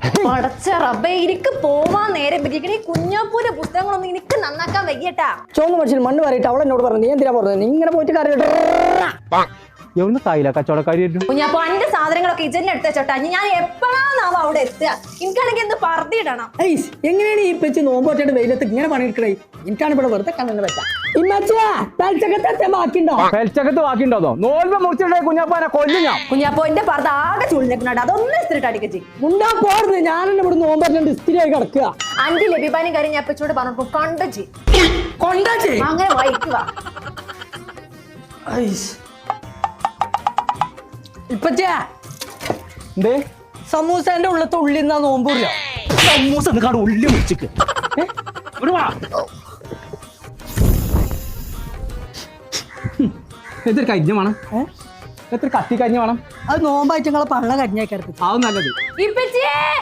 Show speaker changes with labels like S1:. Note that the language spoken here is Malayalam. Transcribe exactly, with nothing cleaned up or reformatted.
S1: പടച്ച റബ്ബേ എനിക്ക് പോവാൻ നേരെ ഈ കുഞ്ഞാപ്പൂന്റെ പുസ്തകങ്ങളൊന്നും എനിക്ക് നന്നാക്കാൻ വയ്യട്ടാ.
S2: ചോന്ന മനുഷ്യൻ മണ്ണ് പറയിട്ട് അവൾ എന്നോട് പറഞ്ഞു, നീ എന്തിനാ പറഞ്ഞത്? നീ ഇങ്ങനെ പോയിട്ട് കാര്യം
S3: എവിടെ തായില്ല കച്ചവടക്കാരി.
S1: കുഞ്ഞാപ്പൂ എന്റെ സാധനങ്ങളൊക്കെ ഇജന്നെ എടുത്ത ചോട്ടാ. ഞാൻ എപ്പോഴാന്നാവും അവിടെ എത്തുക? എനിക്കാണെങ്കിൽ എന്ത് പറത്തിയിടണം.
S2: എങ്ങനെയാണ് ഈ പെച്ച് നോമ്പോറ്റായിട്ട് വെയിലത്ത് ഇങ്ങനെ പണിയെടുക്കണേ? എനിക്കാണ് ഇവിടെ വെറുതെ കണ്ണെന്ന് വെച്ചാ
S3: പെൽച്ചകത്ത് ബാക്കിണ്ടോ? നോൽമ്പ് മുറിച്ചിട്ടേ കുഞ്ഞാപ്പാനെ കൊല്ലും ഞാൻ.
S1: കുഞ്ഞാപ്പൂ എന്റെ പറത്ത് ആകെ ചുളിഞ്ഞിട്ടുണ്ട്, അതൊന്നും ഇസ്തിരിട്ട് അടിക്കച്ചി.
S2: മുണ്ടാ പോർന്ന് ഞാനെന്നെ ഇവിടെ നോമ്പോറ്റാണ്ട് ഇസ്തിരിയായി കിടക്കുക.
S1: അഞ്ച് ലഭിപ്പാനും കാര്യം ഞാൻ പെച്ചോട് പറഞ്ഞു കണ്ടച്ചി
S2: കൊണ്ടച്ചി
S1: അങ്ങനെ വായിക്കുക.
S2: ഇപ്പച്ചാ
S3: എന്തേ
S2: സമൂസന്റെ ഉള്ളത്തെ ഉള്ളിൽ നിന്നാ നോമ്പൂറിയോ?
S3: സമൂസ കാട് ഉള്ളി മുറിച്ചിക്ക്. എത്ര കഞ്ഞ വേണം? എത്ര കത്തി കഞ്ഞ വേണം?
S2: അത് നോമ്പായിട്ട് നിങ്ങളെ പള്ള കഞ്ഞേക്കരുത്.
S3: അത് നല്ലത്.
S1: ഇപ്പച്ചിയേ